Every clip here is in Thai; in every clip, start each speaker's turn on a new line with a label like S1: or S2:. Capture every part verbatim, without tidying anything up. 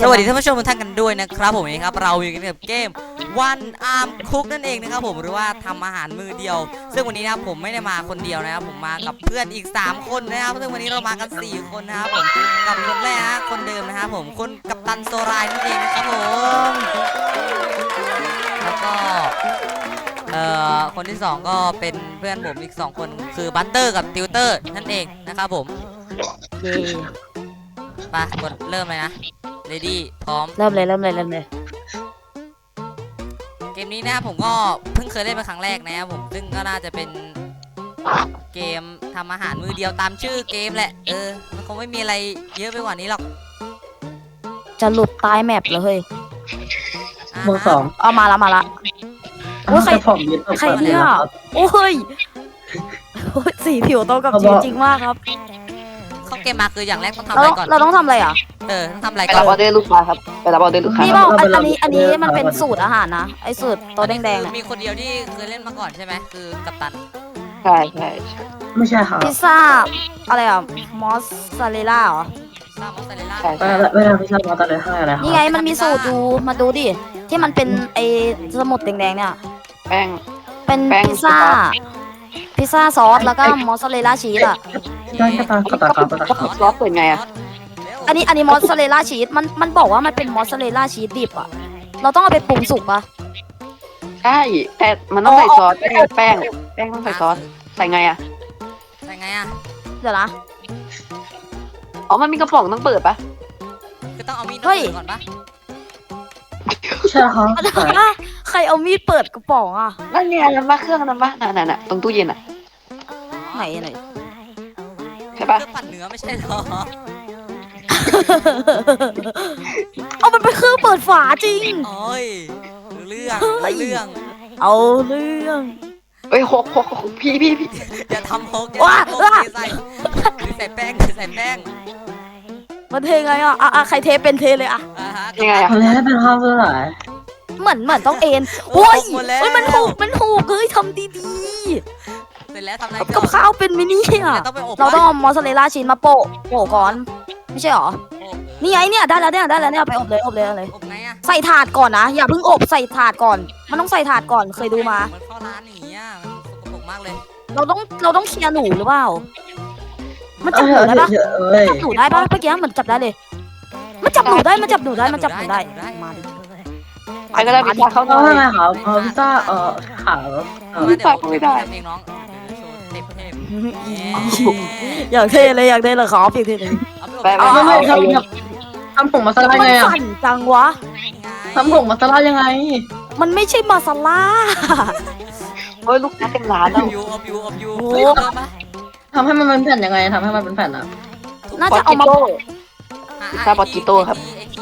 S1: สวัสดีท่านผู้ชมทุกท่านกันด้วยนะครับผมนี่ครับเราอยู่กันกับเกม One Arm Cook นั่นเองนะครับผมหรือว่าทำอาหารมือเดียวซึ่งวันนี้นะครับผมไม่ได้มาคนเดียวนะครับผมมากับเพื่อนอีกสามคนนะครับซึ่งวันนี้เรามากันสี่คนนะครับผมกับคนแรกนะคนเดิมนะครับผมคนกัปตันโซรายนั่นเองนะครับผมแล้วก็เอ่อคนที่สองก็เป็นเพื่อนผมอีกสองคนคือบัตเตอร์กับติวเตอร์นั่นเองนะครับผมเย้ไปกดเริ่มเลยนะเรดี้พร้อม
S2: เริ่มเลยเริ่มเลยเริ่มเลย
S1: เกมนี้นะครับผมก็เพิ่งเคยเล่นเป็นครั้งแรกนะครับผมซึ่งก็น่าจะเป็นเกมทำอาหารมือเดียวตามชื่อเกมแหละเออมันคงไม่มีอะไรเยอะไปกว่านี้หรอก
S2: จะหลุดตายแมปเลยเฮ้ย
S3: เบอร์สอง
S2: เอามาละมาละโอ้ยใครใครเนี่ยโอ้ยสีผิวตรงกับจริงจริงมากครับ
S1: เข้าเกมมาคืออย่างแรกต้องทำอะไรก่อน
S2: เราต้องทำอะไรอ่ะ
S1: เออต้องทำอะไร
S4: ก่อนไปรับออเดอร์ลูกค้าครับไปรับออเดอร์ลูกค้า
S2: นี่บอกอันนี้อันนี้มันเป็นสูตรอาหารนะไอสูตรตัวแดงๆเนี่ย
S1: มีคนเดียวที่เคยเล่นมาก่อนใช่ไหมคือกัปตัน
S4: ใช่ใช่
S3: ไม่ใช่ค่ะ
S2: พิซซ่าอะไรอ่ะมอสซาเรลล่าเหรอ
S1: พิซซ่ามอสซาเรลล่า
S3: เวลาพิซซ่ามอสซาเรลล่าอะไรครับ
S2: นี่ไงมันมีสูตรดูมาดูดิที่มันเป็นไอสมุดแดงๆเนี่ย
S4: แป้ง
S2: เป็นพิซซ่าพิซซ่าซอสแล้วก็มอสซาเรลล่าชีสอ่ะ
S3: ได้ก็ตามก็ตามก็ตาม
S4: ซอสเปิดไงอ่ะ
S2: อันนี้อันนี้มอสซาเรลล่าชีสมันมันบอกว่ามันเป็นมอสซาเรลล่าชีสดิบอ่ะเราต้องเอาไปปรุงสุกปะ
S4: ใช่แต่มันต้องใส่ซอสไม่ใช่แป้งแป้งต้องใส่ซอสใส่ไงอ่ะ
S1: ใส่ไงอ่ะ
S2: เดี๋ยวนะ
S4: อ๋อมันมีกระป๋องต้องเปิดปะ
S1: ก็ต้องเอามีดเปิดก่อนปะ
S3: ใช่ครับ
S2: ใครเอามีดเปิดกระป๋องอ่ะ
S4: นั่นไงน้ำปะเครื่องน้ำปะนั่นน่ะตรงตู้เย็นอ่ะ
S2: ไหนไหน
S4: ใช่ปะ
S1: เครื่องปั่นเนื้อไม่ใช่หรอ
S2: เอามันเป็นเครื่องเปิดฝาจริง
S1: โอ้ยเรื่องเรื่อง
S2: เอาเรื่อง
S4: เอ้ยหกหกพี่พี่พี่
S1: อย่าทำหกอย่าทำหกใส่ใส่แป้งใส่แป้ง
S2: มันเทไงอ่ะอ่ะใครเทเป็นเทเลยอ่ะ
S4: ยังไงอ่ะ
S3: แล้วเป็นข้าวเท่าไหร่
S2: เหมือนเหมือนต้องเอ็นโอ้ยโอ้ยมันถูกมันถูกเฮ้ยทำดีๆ
S1: เสร็จแล้วทำอะไร
S2: กับข้าวเป็นมินิอ่ะเราต้องมอสซาเรลล่าชีสมาโปะโปะก่อนไม่ใช่หรอนี่ไงเนี่ยได้แล้วเนี่ยได้แล้วเนี่ยไปอบเลยอบเลยเลยใส่ถาดก่อนนะอย่าเพิ่งอบใส่ถาดก่อนมันต้องใส่ถาดก่อนเคยดูมา
S1: มันเข้าร้านอย่างเงี้ยมันสกปรกมากเลย
S2: เราต้องเราต้องเคลียร์หนูหรือเปล่ามันจับหนูได้ปะจับหนูได้ปะเมื่อกี้มันจับได้เลยมันจับหนูได้มันจับหนูได้มันจับหนูได้มาดิ
S4: ใครก็ได้พิซซ่าเขาหน่อย
S3: ทำไมครับพิซซ่าเออขาว
S4: พิซซ่าไม่ได้
S1: เองน้อง
S2: อยากเทเลยอยากเทเลยขอเพียงเทเลย
S4: เอา
S3: ไม่ไม่ทำทำผงมาซาลาไงอ่ะ
S2: สั่นจังวะ
S3: ทำผงมาซาลายังไง
S2: มันไม่ใช่มาซาลา
S4: เฮ้ยลูกค้าเต็มร้านแล้ว
S1: ยูอบยูอบยู
S3: ทำให้มันเป็นแผ่นยังไงทำให้มันเป็นแผ่นอ่ะ
S2: น่าจะเอามา
S4: พิซซ่าปากิโต้ครับ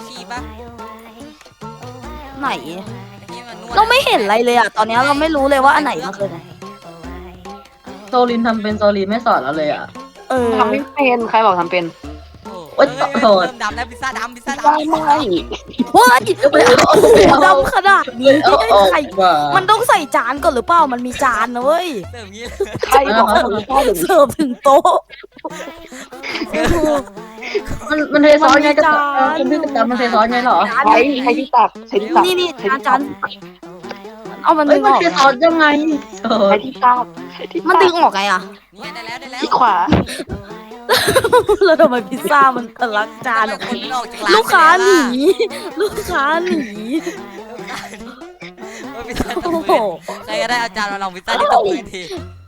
S2: ไหนเราไม่เห็นอะไรเลยอ่ะตอนนี้เราไม่รู้เลยว่าอันไหนมันคือไหน
S3: โซลินทำเป็นโซลินไม่สอนเราเลยอ่ะ
S2: เออ
S4: ทำไม่เป็นใครบอกทำเป็น
S3: โอ๊ยโทษ
S1: ดำแล้วพิซซ่าดำพิซซ่าดำ
S4: ไม่
S2: ว้ายดำขนาดนี้ใครมันต้องใส่จานก่อนหรือเปล่ามันมีจานนะเว้ย
S4: ใครบอกว่าผมชอบ
S2: เสิร์ฟถึงโต๊ะ
S3: มันมันเทซอสไงกับคุณพี่กับจานมันเทซอสไงหรอ
S4: ใครใครที่ตักใครที่ตัก
S2: นี่นี่จานจานเอามัน
S3: ดึงออกมันเทซอสยังไง
S4: ใครที่ตัก
S2: มันดึงออกไงอ่ะ
S4: ที่ขวา
S2: แล้วทำไมพิซซ่ามันทะลักจานออกลูกค้าหนีลูกค้าหนี
S1: โอ้โหใครก็ได้เอาจานมาลองพิซซ่าที่ตกพื้นที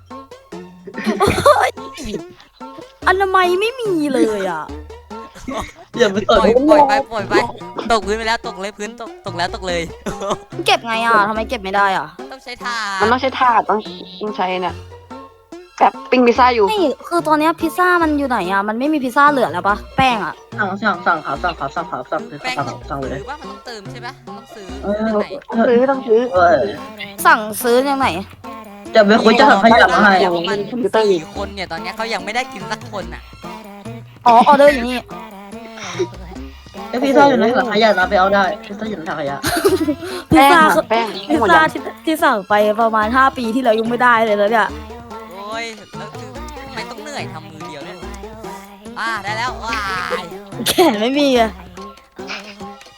S2: อนามัยไม่มีเลยอ่ะ
S3: อย่าไปตก
S1: ปล่อยไปปล่อยไปตกพื้นไปแล้วตกเลยพื้นตกตกแล้วตกเลย
S2: เก็บไงอ่ะทำไมเก็บไม่ได้อ่ะ
S1: ต้องใช้ถาด
S4: มันต้องใช้ถาดต้องต้องใช้เนี่ยแบบปิ้งพิซซ่าอยู่
S2: นี่คือตอนนี้พิซซ่ามันอยู่ไหนอ่ะมันไม่มีพิซซ่าเหลือแล้วปะแป้งอ่ะ
S3: สั่งสั่งสั่งครับสั่งครับสั่งครับสั่งสั่งสั่งเลย
S1: ว่ามันต้องเติมใช่ไหมต้องซื้อ
S4: ต้องซื้อต้องซื้อ
S2: สั่งซื้อยังไง
S3: จะไปคุยจะสั่งขยับมาให้
S1: มันสี่คนเนี่ยตอนนี้เขายังไม่ได้กินสักคนอ่ะ
S2: อ๋อออเดอร์อย่างนี้
S3: ไอพิซซ่าอยู่ในถังขยะนะไปเอาได้พิซซ่าอยู่ในถังขยะ
S2: พิซซ่าแป้งพิซซ่าที่สั่งไปประมาณห้าปีที่แล้วยังไม่ได้เลยแล้วเนี่ย
S1: โอ้ยแล้วทำไมต้องเหนื่อยทำมือเดียวเนี่ยอ่าได้แล้วว้าย
S2: แขนไม่มีอะ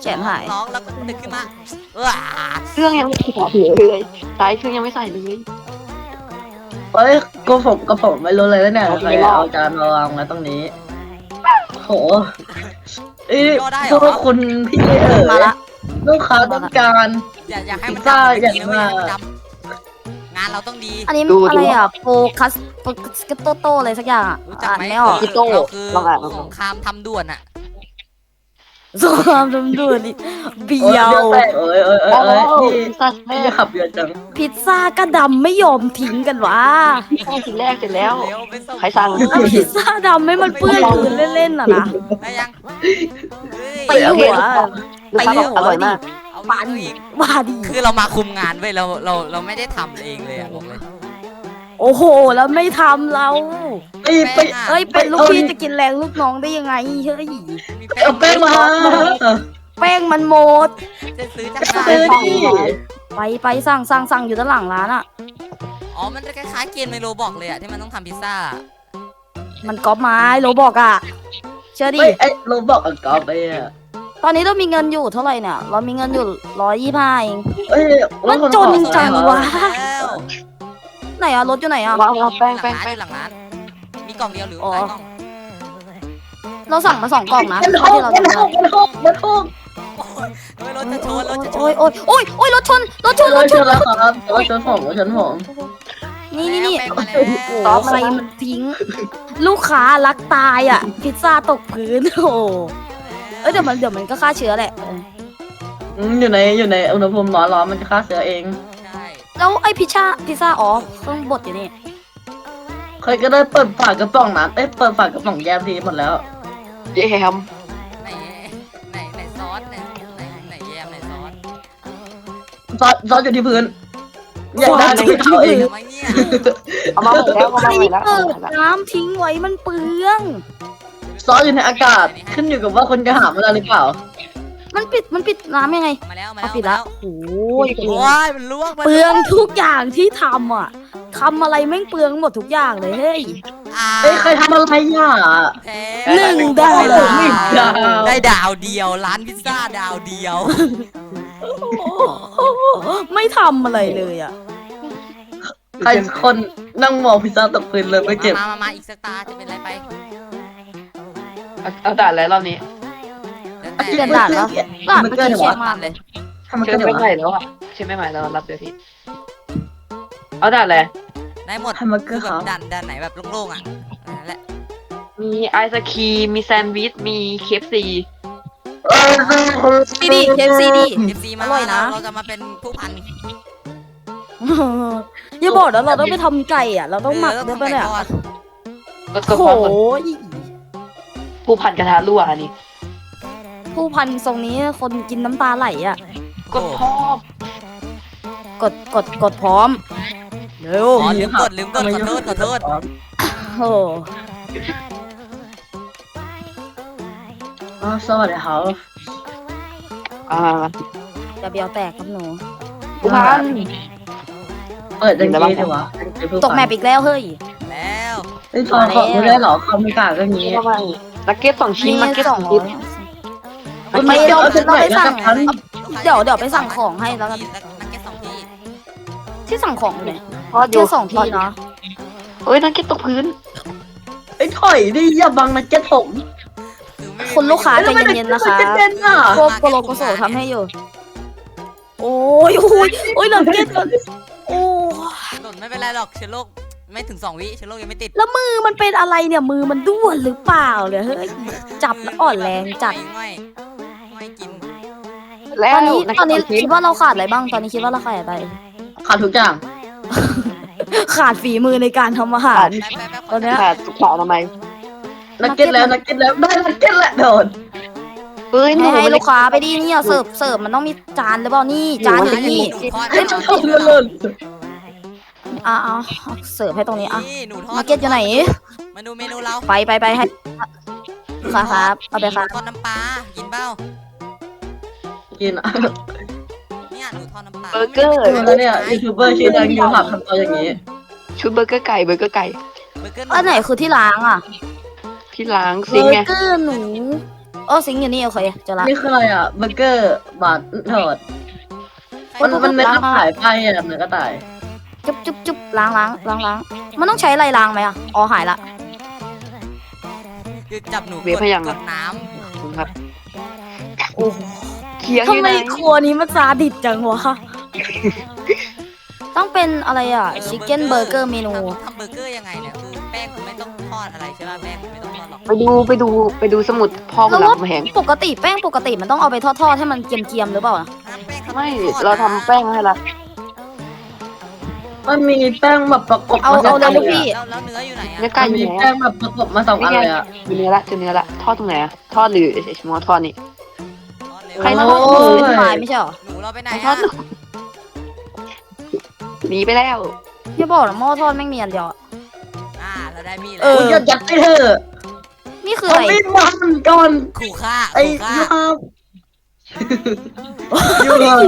S2: แขนหาย
S1: ร้องแล้วก็ดึกขึ้นมาเออ
S4: เครื่องยังไม่ใส่เลยสายเครื่องยังไม่ใส่เลย
S3: เฮ้ยก็ผมก็ผมไม่รู้เลยว่าเนี่ยใครเอาจานมาวางไว้ตรงนี้โหเอ้ยพวกคุณพี่เอ๋
S2: มาย ละ
S3: ลูกค้าต้องการ
S1: อย่าอย่าให้มัน
S3: พิซซ่า
S1: ดำ
S3: อย่าง
S1: นะ
S3: มา
S1: เว้ยให้มันดำงานเราต้องดี
S2: อันนี้อะไรอ่ะโฟกัสโฟกัสโตโตอะไรสักอย่างอ่ะ
S1: รู้จัก
S2: อ่าน
S1: ไหม
S2: ไม่ออก
S1: เราคือสงครามทำด่วนอะ
S2: สงครามดำด่วนนี่เบี
S3: โอ้ย
S2: ยว
S3: เดี๋ยวแตกเอ้ยเอ้ยเอ้ย
S4: โอ้
S3: เอ้ย
S4: โห
S3: พี่
S4: สัตว์
S3: พี่
S4: แม่
S3: จะขับเยอะจัง
S2: พิซซ่าก็ดำไม่ยอมทิ้งกันวะ
S4: แค่ทีแรกเสร็จแล้ว
S1: เร็วไปส่ง
S4: ใครสั่ง
S2: แล้วพิซซ่าดำไม่มันเปื้อนพื้นเล่นๆอ่ะนะ
S1: ได้ยังเฮ้ย
S2: ตีหัว
S4: ลูกค้าบอกอร่อยมาก
S1: เอา
S2: ปัน
S1: อีก
S2: ว่าดี
S1: คือเรามาคุมงานเว้ยเราเราเราไม่ได้ทำเองเลยอะบอกเลย
S2: โอ้โห แล้วไม่ทำเรา
S3: ไปไป
S2: เอ้ยเป็นลูกพี่จะกินแรงลูกน้องได้ยังไงเฮ้ย
S1: มี
S3: เอาแป้งมา
S2: แป้งมันหมด
S1: จะซื้อจากไหน
S3: ซื้อดิ
S2: ไปไปสั่งสั่งสั่งอยู่ด้านหลังร้านอ่ะ
S1: อ๋อมันจะคล้ายๆเกมในโรบอกเลยอะที่มันต้องทำพิซซ่า
S2: มันก๊อปไม้โรบอกอ่ะ เชื่อดิ
S3: เฮ้ยไอ้โรบอกอันกอบไปอ่ะ
S2: ตอนนี้เรามีเงินอยู่เท่าไหร่เนี่ย เรามีเงินอยู่ร้อยยี่ห้าเอง
S3: เอ้ย
S2: มันจนจังวะ
S1: แล้ว
S2: ไหนอะรถอยู่ไหนอะ
S4: วางเอาแป้ง
S1: หลั
S4: แป้
S1: ง
S4: ง
S1: ร้าน
S4: แป้ง
S1: หลังร้านมีกล่องเดียวหรือ
S2: อ๋อ
S1: หลายกล่อง
S2: เราสั่งมาสองกล่องนะ
S3: มัน
S2: ที่
S3: หก
S2: เรา
S3: มัน
S2: จะ
S3: หกมันหกมันหก
S1: โอ้ยรถจะชนรถจะช
S2: โอ้ย
S1: น
S2: โอ้ยโอ้ยโอ้ยรถชนรถชนร
S3: ร
S2: ถ
S3: ถ
S2: ช
S3: ช
S2: น
S3: นแล้วครับรถชนผมรถชนผม
S2: นี่นี่นี่
S1: แป้ง
S2: โอ้
S1: มา
S2: โห
S1: แล้ว
S2: ใครมันทิ้ง ลูกค้ารักตายอ่ะ พิซซ่าตกพื้นโอ้โหเอ้ยเดี๋ยวมันเดี๋ยวมันก็ฆ่าเชื้อแหละเออ
S3: อืมอยู่ในอยู่ในอุณหภูมิร้อนร้อนมันจะฆ่าเชื้อเอง
S1: ใช่
S2: แล้วไอ้พิซซ่าพิซซ่าอ๋อเครื่องบดอยู่นี่
S3: เคยก็ได้เปิดฝากระป๋องน้ำเอ้ยเปิดฝากระป๋องแยมทีหมดแล้ว
S4: เย้ม
S1: ไหนไหนไหนซอสไหนไหนไหนแยมไหนซอส
S3: ซอสซอสอยู่ที่พื้นอยากได้
S2: ซอส
S3: ที่เขาเอง
S1: ทำไมเนี่ย
S4: เอามาหมดแล้วเอา
S2: ใคร
S4: มาหมดแล้ว
S2: เปิดน้ำทิ้งไว้มันเปลือง
S3: ซอสอยู่ในอากาศขึ้นอยู่กับว่าคนจะหาเวลาหรือเปล่า
S2: มันปิดมันปิดน้ำยังไง
S1: มาแล้วมา
S2: เอา
S1: แล้ว
S2: ปิด
S1: มา
S2: ละ
S1: แล้ว
S2: โอ้
S1: โอ้
S2: ย
S1: ยมันลวกมัน
S2: เปลืองทุกอย่างที่ทำอ่ะทำอะไรแม่งเปลืองหมดทุกอย่างเลยเฮ้ย
S1: อ่า
S3: เอ้ยใครทำอะไรอ่ะ
S1: แพ้
S2: หนึ่งดาว
S1: ได้
S3: หนึ่งดาว
S1: ได้ดาวเดียวร้านพิซซ่าดาวเดียว
S2: ไม่ทำอะไรเลยอ่ะ
S3: ใครคนนั่งมองพิซซ่าตกพื้นเลยไม่เก็บ
S1: มามามาอีกสักตาจะเป็นไรไป
S4: เอาเอาด่านแล้วรอบนี้
S1: แล้วแต่
S2: เปลี่ยนด่านแล้วด่านเมื่อกี้เชี่ยมากเลย
S3: ทำไม
S4: เชื่
S3: ก็
S4: อ
S3: เดี๋ยว
S4: ไม่ใหม่แล้วอ่ะเชื่อไม่ใหม่แล้วรับเดี๋ยวพี่เอาด่านอะไร
S1: ได้หมด
S3: ทำไมก็
S1: คือแบ
S3: เขา
S1: บดันดันไหนแบบโล่งๆอ่ะนั่นแหละ
S4: มีไอศครีมมีแซนด์วิชมีเคฟซี
S2: ซีดีเคฟซีดี
S1: เอฟซีมา
S2: อร่อยนะ
S1: เราจะมาเป็นผู้พัน
S2: อย่าบอกนะเราต้องไปทำไก่อ่ะ เราต้องหมัก
S1: เออ
S2: ด้วยปะเนี่ย
S1: ทำไก่ทอด
S4: ก็ก็
S2: โอ้
S4: พ
S2: โห
S4: อผู้พันกระทะรั่วอันนี้
S2: ผู้พันทรงนี้คนกินน้ำตาไหลอ่ะ
S4: ก็ชอบ
S2: กดกดกดพร้อมเร็ว
S1: อ๋อลืมกดลืมกดขอโทษขอโทษ
S2: โอ้
S3: อ๋อสวัสดีครับ
S4: อ่า
S2: จะเบียวแตกครับหนู
S4: ผู้พัน
S3: เปิดจังกี้ดีวะ
S2: ตกแมปอีกแล้วเฮ้ย
S1: แล้ว
S3: ไอ้ยทอนของไม่ได้หรอคอมพิวเตอร์ก็งี้
S4: ทำไมนักเก็ตสองชิ้นนักเก็ต
S2: ส
S4: ส
S2: อ
S4: อง ง
S2: ร้อ
S4: ชิ้
S2: ย
S4: น
S3: คุณไม่เอาเส้นไหนแล้วกัน
S2: เดี๋ยวเดี๋ยวไปสั่งของให้แล้วกัน
S1: นักเก็ตสองที่
S2: ที่สั่งของอยู่ไหน
S4: ทอดอยู่
S2: แค่สองที่เนาะ
S4: เอ้ยนักเก็ตตกพื้น
S3: ไอ้ถอยดิอย่าบังนะเจ็ดผม
S1: คือไม่
S2: คุณลูกค้าใจเย็นๆนะคะ
S3: เจ็ดเด่นอ่ะ
S2: โกโกโลโกโซทำให้อยู่ โอ้ยโอ้ยโอ้ยหลังเก็ตก่อนโอ้
S1: หล่นไม่เป็นไรหรอกเชื้อโรคไม่ถึงสองวิเชื้อโรคยังไม่ติด
S2: แล้วมือมันเป็นอะไรเนี่ยมือมันด้วนหรือเปล่าเนี่ยเฮ้ยจับแล้วอ่อนแรงจัด
S1: ง่อยง่อยกิน
S4: แล้
S2: ต
S4: ว
S2: อนนี้
S4: นัก
S2: ตอน
S4: เก็ต
S2: นี้
S4: สองชิ้น
S2: คิดว่าเราขาดอะไรบ้างตอนนี้คิดว่าเราขาดอะไร
S3: ขาดทุกอย่าง
S2: ขาดฝีมือในการทำอาหาร
S1: แป๊บแป๊บแป๊บ
S2: ตอนเนี้ย
S4: ขาดสุขอนามัย
S3: นักเก็ตแล้วนักเก็ตแล้วได้นักเก็ตแล้วโดน
S4: เฮ้ยหนู
S2: ให้ให้ลูกค้าไปดิเนี่ยเสิร์ฟเสิร์ฟมันต้องมีจานหรือเปล่านี่จานอยู่นี่
S1: หนูทอด
S3: ไอ้ชอบเลื่อนเลื่อน
S2: อ่ะอ่ะเสิร์ฟให้ตรงนี้อ่ะ
S1: นี่หนูทอด
S2: มาร์เก็ตอยู่ไหน
S1: มาดูเมนูเรา
S2: ไปไปไปให้ลูกค้าครับเอาไปครับ
S1: ทอดน้ำปลากินเปล่า
S3: กินอ่ะ
S1: เนี่ยหนูทอดน้ำปลา
S4: เบอร์เกอร์
S3: แล้วเนี่ยยูทูบเบอร์ชื่อดังยูหับทำตัวอย่างนี้
S4: ชุดเบอร์เกอร์ไก่เบอร์เกอร์ไก่
S1: เบอร์เกอร์
S2: อันไหนคือที่ล้างอ่ะ
S4: ที่ล้าง
S2: เบ
S4: ซิง
S2: อ
S4: ค์ไง
S2: ร์เกอร์หนูเออสิงอยู่นี่โอเคเจอละ
S3: นี่คืออะไรอ่ะเบอร์เกอร์บาทเถิดมันมันเนื้อกระต่ายไปอ่ะเนื้อกระต่าย
S2: จุ๊บจุ๊บจุ๊บล้างล้างล้างล้างมันต้องใช้อะไรล้างไหมอ่ะอ๋อหายละ
S1: คือจับหนู
S4: เวีย
S1: ก
S4: พ
S1: ด
S4: ยัง
S1: ก
S4: อะ
S1: ดน้
S4: คุณครับ
S2: โอ้โห
S4: เคียงอ
S2: ทำ
S4: ยู่
S2: ไม
S4: ไหน
S2: ครัวนี้มันซาดิสจังวะต้องเป็นอะไรอ่ะ
S1: ำ
S2: ชิคเก้นเบอร์เกอร์เมนู
S1: ทำทำเบอร์เกอร์ยังไงเนี่ยคือแป้งคุณไม่ต้องทอดอะไรใช่ป่ะแป้งคุณไม่ต้องทอดหรอก
S4: ไปดูไปดูไปดูสมุดพ่อคุ
S2: แล้
S4: ณ
S2: ว
S4: รับ
S2: ว่า
S4: มาแหง
S2: ปกติแป้งปกติมันต้องเอาไปทอดๆให้มันเกรียมๆหรือเปล่า
S1: น้ำแป้งเขา
S4: ไม่
S1: ทอด
S4: เราทำ
S1: นะ
S4: แป้งให้ละ
S3: มันมีแป้งแบบประกบ
S2: เอา
S3: มาส
S2: เอา
S3: อง
S2: เล
S3: อั
S2: ย
S3: น
S2: ลูก
S3: เลย
S2: พี่
S3: อะ
S1: แล้วแล้วเนื้ออยู่ไหนอะ
S4: เนื้อไก่
S3: มัน
S4: อยู่
S3: มี
S4: ไหน
S3: แป้
S4: อะ
S3: งแบบประกบมาสองอันเลยอ่ะ
S4: อยู่เนื้อละเจอเนื้อละทอดตรงไหนอะทอดหรือไอ้ชมอทอดนี่
S1: ทอดเร็ว
S2: ใครมาทอดหมูเป็นไม้ไม่ใช่เหรอ
S1: หนูเราไปไหน
S4: ทอ
S1: อะ
S4: ดหนีไปแล้ว
S2: อย่าบอกนะหม้อทอดแม่งมีอันเดียวอะ
S1: อ่าเราได้มีด
S2: เอ
S1: แล้ว
S2: อ
S3: คุณจะยัดไปเถอะ
S2: นี่คือ
S3: เอา
S2: อะไร
S3: ไม่มันก่อน
S1: ขู่ฆ่า
S3: ไอ้
S1: ขู่ฆ่า
S3: ยูฮาบยูฮา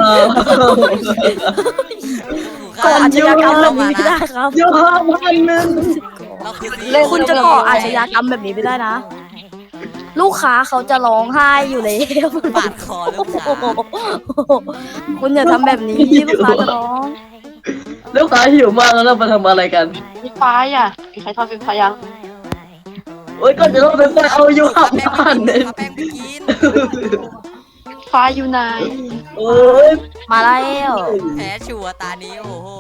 S1: ขู่
S2: ก่อ
S1: ฆ่า
S2: อาชญากรรมแบบนี้ไม่ได้ครับ
S3: ยูฮาบพันหนึ่ง
S1: เราคือซี
S2: เล่นคุณจะก่ออาชญากรรมแบบนี้ไม่ได้นะ ลูกค้าเขาจะร้องไห้อยู่เลย
S1: ปาดคอลูกค้า
S2: คุณอย่าทำแบบนี้ลูกค้าจะร้อง
S3: ลูกค้าหิวมากแล้วเรามาทำอะไรกัน
S4: มีฟ้าอ่ะมีใครทอดไฟฟ้ายัง
S3: โอ๊ยก่อนจะต้องไปไปเอายูฮาบ
S1: แป้ง
S3: พันห
S1: ไป
S3: นึ่ง
S1: กินแป้งไปกิน
S4: ฟ้าอยู่ไหน
S3: โอ๊ย
S2: มาแล้ว
S1: แพ้ชัวร์ตานี้โอ้โห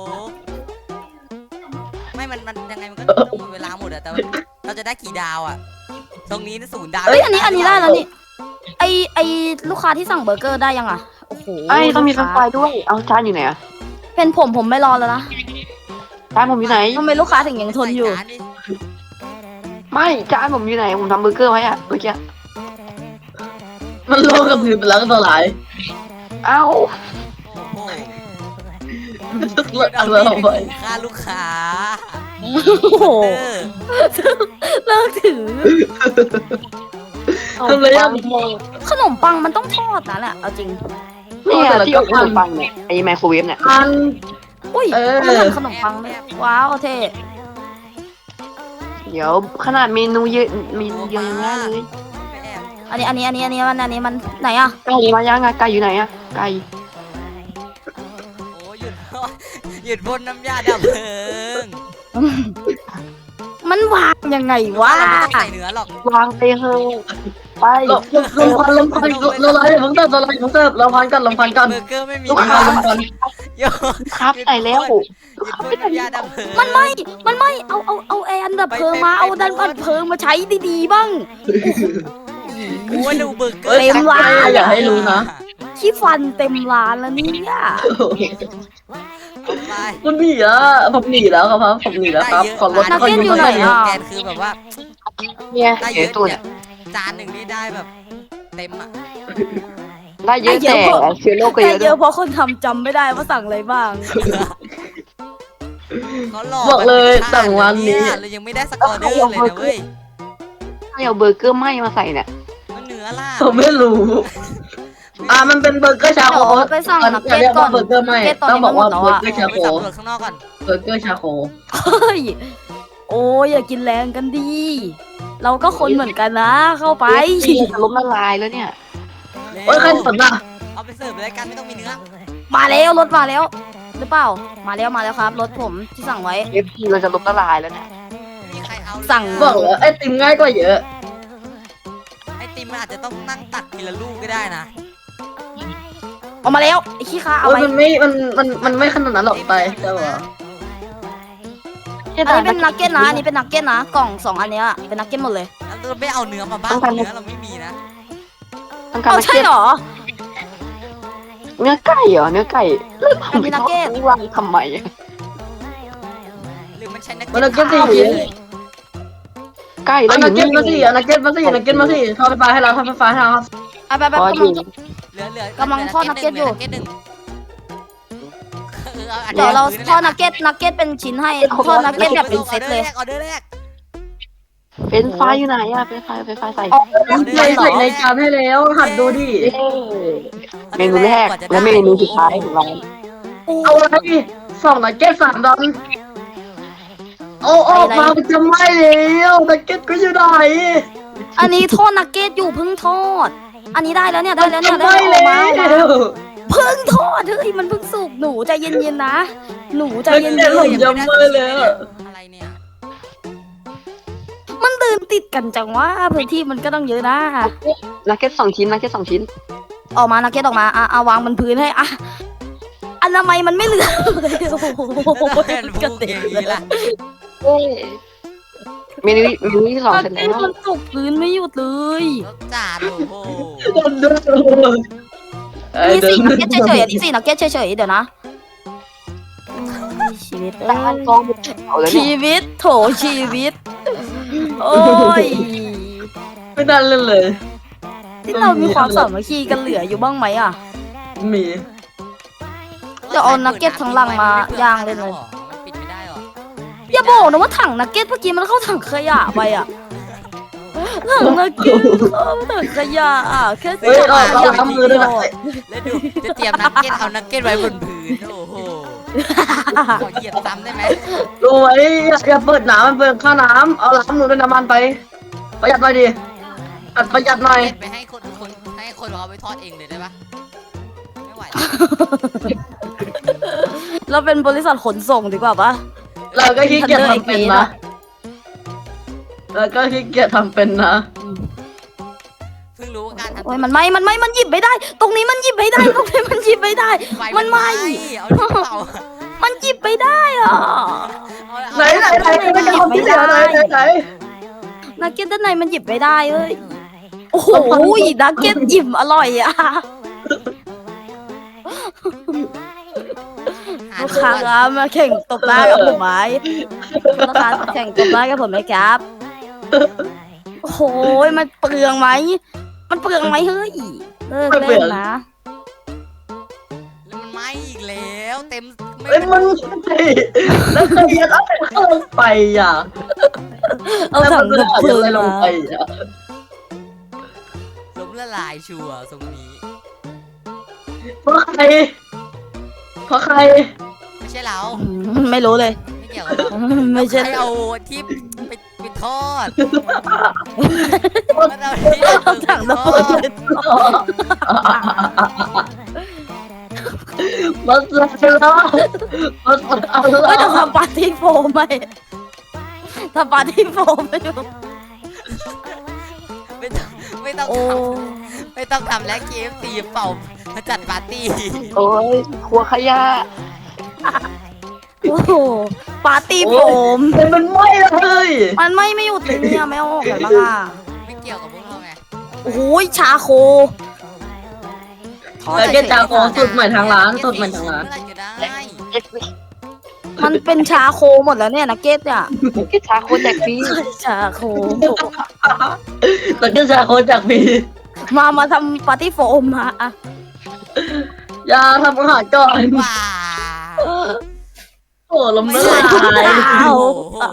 S1: ไม่มันมันยังไงมันก็ต้องหมดเวลาหมดอะแต่ว่าเราจะได้กี่ดาวอะตรงนี้ศูนย์ดาว
S2: เอ้ยอันนี้อันนี้ได้แล้วนี่ไอไอลูกค้าที่สั่งเบอร์เกอร์ได้ยังอ่ะโอ้โห
S4: ไอ้ต้องมีไฟ
S2: ลูก
S4: ฟ้า
S2: ค้า
S4: ด้วยเอาจานอยู่ไหนอะ
S2: เป็นผมผมไม่รอแล้วนะ
S4: จานผมอยู่ไหน
S2: ทำไมลูกค้าถึงยังทนอยู่
S1: ใส่จาดิ
S4: ไม่จานผมอยู่ไหนผมทำเบอร์เกอร์ไว้อะเมื่อกี้
S3: มันโลกกับพื้นไปแล้วก็ตัวหลาย
S4: เอ้า
S1: โอ้โห
S3: เอา
S1: เอา
S3: ไป
S1: มีด
S3: เอาไป
S1: ไปขู่ฆ่าลูกค้า
S2: โอ้โห
S1: เออ
S2: เลิกถือ
S3: ทำไรอ่ะ
S2: ขนมปังมันต้องทอดนะแหละเอาจริง
S4: เนี่ยที่เอาขนมปังเนี่ยไอ้ไมโครเวฟเนี่ย
S3: อัน
S2: อุ้ย
S3: เออ
S2: มันทำขนมปังเลยว้าวเท่
S4: เดี๋ยวขนาดเมนูเยอะเมนูเดียวยังง่ายเลย
S1: ไปแอบ
S2: อันนี้อันนี้อันนี้อันนี้มันอันนี้มันไหนอ่ะ
S4: ไก่มายังอะไก่อยู่ไหนอะไก่
S1: โอ้ยหยุด หยุดพ่นน้ำยาดับเพลิง
S2: มันวางยังไงวะ
S1: เราไม่ต้องใส่เนื้อหรอก
S4: วางไปเถอะไป
S3: ลมลมพันลมพันเราไล่ผมเสิร์ฟเราไล่ผมเสิร์ฟเราพันกันเราพันกัน
S1: เบอร์เกอร์ไม่มี
S3: ลูก
S1: เนื้
S3: ค้า
S1: อ
S3: ลมพัน
S1: โย
S4: ครับใส่แล้ว
S1: หยุดพ่นน้ำยาดับเพลิง
S2: มันไม่ มันไม่ เอาเอาเอาแอนดับเพลิงมา เอาดันดับเพลิงมาใช้ดีๆบ้าง
S1: โอ้ยดูเบอร์เกอ
S3: เอ้
S1: ร์
S3: ยชักใจอย่าให้รู้นะ
S2: ขี้ฟันเต็มร้านแล้วเนี่ย
S1: เอาไป
S3: คุณหนีแล้วผมหนีแล้วครับผมหนีแล้วครับขอรถ
S2: นัก
S3: คน
S2: เก็ต
S3: นี้
S2: อยู่
S3: มา
S2: ไหน
S3: หน่อย
S2: อ่ะ
S1: แกนคือแบบว่า
S4: เนี่ย
S1: ได้เย
S4: เดี๋ยว
S1: อะ
S4: ตัว
S1: เนี่
S4: เนี่ย ย
S1: จานหนึ่งนี่ได้แบบเต็มอ่ะ
S4: ได้เยอะแต่เชื้อโรคก็
S2: แต่
S4: เยอะ
S2: เย
S4: ด้ว
S2: อะ
S4: ย
S2: เพราะคนทำจำไม่ได้ว่าสั่งอะไรบ้าง
S1: เขาหลอก
S3: บอกเลยสั่งวันนี้
S1: เรายังไม่ได้สกอร์เดอร์เลยนะเว้ย
S4: ให้เอาเบอร์เกอร์ไหม้มาใส่เนี่ย
S1: มันเนื้อล่ะ
S3: ผมไม่รู้ อ่ามันเป็นเบอร์เกอร์ชาโค
S2: เดี๋ยวไปสั่งนัก
S3: อย่า
S2: เก็ต
S3: เรียก
S2: ก่อ
S3: ว่าน เบอร์เกอร์ไม่
S2: นักเก็ตตอน
S3: ต้อง
S2: นี้
S3: บอกว่า
S2: มันหม
S3: เบอ
S2: ด
S3: ร์
S2: แล้ว
S3: เกอ
S2: อะ
S3: ร์ชา
S1: ไป
S3: โค
S1: สำรวจข้างนอกก่อน
S3: เบอร์เกอร์ชาโค
S2: เฮ้ย โอ้ยอย่ากินแรงกันดี เราก็คนเหมือนกันนะ เข้าไป
S4: จะล้มละลายแล้วเนี่ย
S3: โอ้ยใครสนอ่ะ
S1: เอาไปเสิร์ฟรายการไม่ต้องมีเนื้อ
S2: มาแล้วรถมาแล้ว หรือเปล่า มาแล้วมาแล้วครับ รถผมที่สั่งไว้
S4: เอฟพีเราจะล้มละลายแล้วเนี่ย
S1: ไม่มีใครเอาเลย
S2: สั่ง
S3: บอกเลยไอติมง่ายกว่าเยอะ
S1: ไอติมมันอาจจะต้องนั่งตักทีละลูกก็ได้นะ
S2: เอามาแล้วไอ้ขี้ค้าเอา
S3: โอ้ย
S2: ไป
S3: มันไม่มันมันมันไม่ขนาดนั้นหรอกไปใช่ป่ะ
S2: อันนี้เป็นนักเก็ตนะ อันนี้เป็นนักเก็ตนะ กล่องสองอันเนี้ยเป็นนักเก็ตหมดเลย
S1: แล้วเราไม่เอาเนื้อมาบ้างเนื้อเราไม่มีนะ
S4: ต้องการ
S2: เอา
S4: นัก
S2: ใช่
S4: เก็ต
S2: เหรอ
S4: เนื้อไก่เหรอเนื้อไก่แล้ว
S2: อันนี้นักเก็ต
S4: วางทำไมอะ
S1: หรือมันใช้นัก
S3: มันนักเก็ตสี่
S4: ไก่
S3: อั
S4: แล้ว
S3: น
S4: อ
S3: นั
S4: ยู่
S3: กเก็
S4: นี่
S3: ตมาสี่อันนักเก็ตมาสี่นักเก็ตมาสี่ทอดไฟฟ้าให้เราทอดไฟฟ้าให้เรา
S2: ไปไปไป
S4: พอก
S2: ำ
S4: อ
S2: ลัง
S4: ยู่
S1: เหลือเหลือก
S2: ำลังทอดนักเก็ตอยู่
S1: หลืนักเก็ตหนึ่งเอออา
S2: เดี๋ยวเรา
S1: พื้น
S2: ทอดนักเก็ตนักเก็ตเป็นชิ้นให้ทอดนักเก็ตแบบเป็นเซตเลย
S1: ออเดอร์แรก
S4: เฟรนช์ไฟอยู่ไหนอะเฟรนช์ไฟเฟรนช์ไฟใส่
S3: ใส่ใส่ในจานให้แล้วหัดดูดิ
S4: เย้เมนูแรกและเมนูสุดท้ายของเรา
S3: เอาอะไรสองนักเก็ตสามดอนโอ้โอ้มาจะไม่แล้วนักเก็ตก็อยู่ไหน
S2: อันนี้ทอดนักเก็ตอยู่เพิ่งทอด อันนี้ได้แล้วเนี่ยได้แล้วเนี่ยได้
S3: ไม่
S2: แล้ว
S3: เล
S2: ออกมาออกมาย เพิ่งทอดเฮ้ยมันเพิ่งสุกหนูใจเย็นๆนะ หนูใจเย็น
S3: ผมยังไม่เลยอะ
S1: อะไรเนี่ย
S2: ๆมันเดินติดกันจังว่าพื้นที่มันก็ต้องเยอะนะ
S4: นักเก็ตสองชิ้นนักเก็ตสองชิ้น
S2: ออกมานักเก็ตออกมาอ่ะอ่ะวางบนพื้นให้อ่ะอนามัยมันไม่เหลือเลยโอ้โห
S1: เป็นพ
S2: กระ
S1: วก
S2: เด็
S1: อน ย่าง
S2: เล
S1: นี้
S2: ย
S1: ล่ะ
S4: เมนูเมนูที่สอง
S2: นัก
S4: เสร็จ
S2: เก็
S4: แล้
S2: ต
S4: ว
S2: มันตกพื้นไม่หยุดเลย
S1: รสจัดโอ้โห
S2: นี่สี่นักเก็ตเฉยๆอันนี้สี่นักเก็ตเฉยๆเดี๋ยวนะชีวิต
S4: แต่มันกองเอาแล้วเนี่ย
S2: ชีวิตโถชีวิต โอ้ย
S3: ไม่ได้เล่นเลย
S2: ที่เรามีความสามัคคีกันเหลืออยู่บ้างไหมอ่ะ
S3: มี
S2: จะเอานักเก็ตทั้งลังมาย่างเลยเลย
S1: มันปิดไม่ได้หรอ
S2: อย่าบอกนะว่าถังนักเก็ตเมื่อกี้มันเข้าถังขยะไปอ่ะถังนักเก็ตเข้าถังขยะอ่ะแค่
S3: เฮ้ยเราเราทำมือด้วยนะ
S1: แล้วดูจะเตรียมนักเก็ตเอานักเก็ตไว้บนพื้นโอ้โหขอเหยียบซ้ำได้ไหม
S3: ดูไว้อย่าเปิดน้ำมันเปิดข้าน้ำเอาล้างมือด้วยน้ำมันไปประหยัดหน่อยดิประหยัดหน่อย
S1: เก็ตไปให้คนคนให้คนเอาไปทอดเองเลยได้ปะไม่ไหว
S2: เราเป็นบริษัทขนส่งดีกว่าปะ
S3: เราก็ขี้เกียจทำเป็นนะเราก็ขี้เกียจทำเป็นนะ
S1: เพิ่งรู้ว่าการทำ
S2: โอ้ยมันไหม่มันไหม่มันหยิบไม่ได้ ตรงนี้มันหยิบไม่ได้ตรงนี้มันหยิบไม่ได้ มันไหม่
S1: เอาที่เป่า
S2: มันหยิบไม่ได้อ่ะ
S3: ไหนไหนไหนไม่ได้ทำที่ไหนไหนไหนไหน
S2: นักเก็ตด้านในมันหยิบไม่ได้เอ้ยโอ้โหนักเก็ตอิ่มอร่อยอ่ะลูกค้าครับมาแข่งตบหน้ากับผมไหมลูกค้าแข่งตบหน้ากับผมไหมครับโอ้โหมันเปลืองไหมมันเปลืองไหมเฮ้ยเลิกเล่นนะ
S1: แล้วมันไหม้อีกแล้วเต็ม
S3: เอ้ยมันไม่แล้วใครจะเอาเข้าลงไปอ่ะ
S2: เอาถัง
S3: แล้ว
S2: ดับ
S3: มัน
S2: เพลิ
S3: จะ
S2: ง
S3: อะไรลง
S2: มา
S3: ไปอ่ะ
S1: ล้มละลายชัวร์ตรงนี้
S3: เพราะใครเพราะใคร
S1: ไม่ใช่เรา
S2: อืมไม่รู้เลย
S1: ไม่เกี่ยวกับเรา
S2: ไม่ใช่
S1: ใครเอาที่ไปไปทอดมันเอาที่
S2: เอาถังดับเพลิงไปทอด
S3: มันจะเล่ามันจะ
S2: ไม่
S3: เล่า
S2: ต้องทำปาร์ตี้โฟมไหมทำปาร์ตี้โฟมไม่ดู
S1: ไม่ต้องไม่ต้อง
S2: โอ้
S1: ทำไม่ต้องทำและ เค เอฟ ซี เป่ามาจัดปาร์ตี้
S4: โอ้ยครัวขยะ
S2: โอ้โหปาร์ตี้โฟม
S3: แต่มันไหม้เลย
S2: มันไม่ไม่หยุดเลยเนี่ยไม่เอาออกเลยบ้างอ่ะ
S1: ไม่เกี่ยวกับพวกเราไง
S2: โอ้โหชาโค
S3: แล้วก็จะของสุดใหม่ทางร้านสุดใหม่ทางร้าน
S1: เมื่อไหร่จะได้
S4: เอ็กซ์
S2: มันเป็นชาโคหมดแล้วเนี่ยนักเก็ตเนี่ย
S4: เก็ตชาโคแจกฟรี
S2: ชาโค
S3: แล้วก็จะโคจากพี
S2: มามาทำปาร์ตี้โฟมมาอ่ะ
S3: อย่าทำอาหารก่อน
S1: ว้า
S3: โอ้ลม
S1: ไม่
S3: ละ
S1: ใช่
S3: ลาย
S1: โอ้โห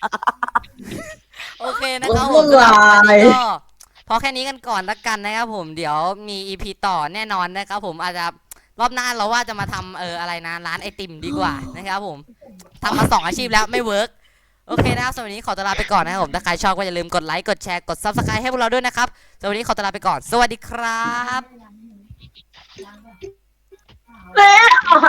S1: โอเคนะครับผม
S3: ละลาย
S1: ก็พอแค่นี้กันก่อนละกันนะครับผมเดี๋ยวมี อี พี ต่อแน่นอนนะครับผมอาจจะรอบหน้าเราว่าจะมาทำเอออะไรนะร้านไอติมดีกว่านะครับผมทำมาสองอาชีพแล้วไม่เวิร์กโอเคนะครับสำหรับวันนี้ขอตัวลาไปก่อนนะครับผมถ้าใครชอบก็อย่าลืมกดไลค์กดแชร์กด ซับสไครบ์ ให้พวกเราด้วยนะครับสำหรับวันนี้ขอตัวลาไปก่อนสวัสดีครับ
S3: เละ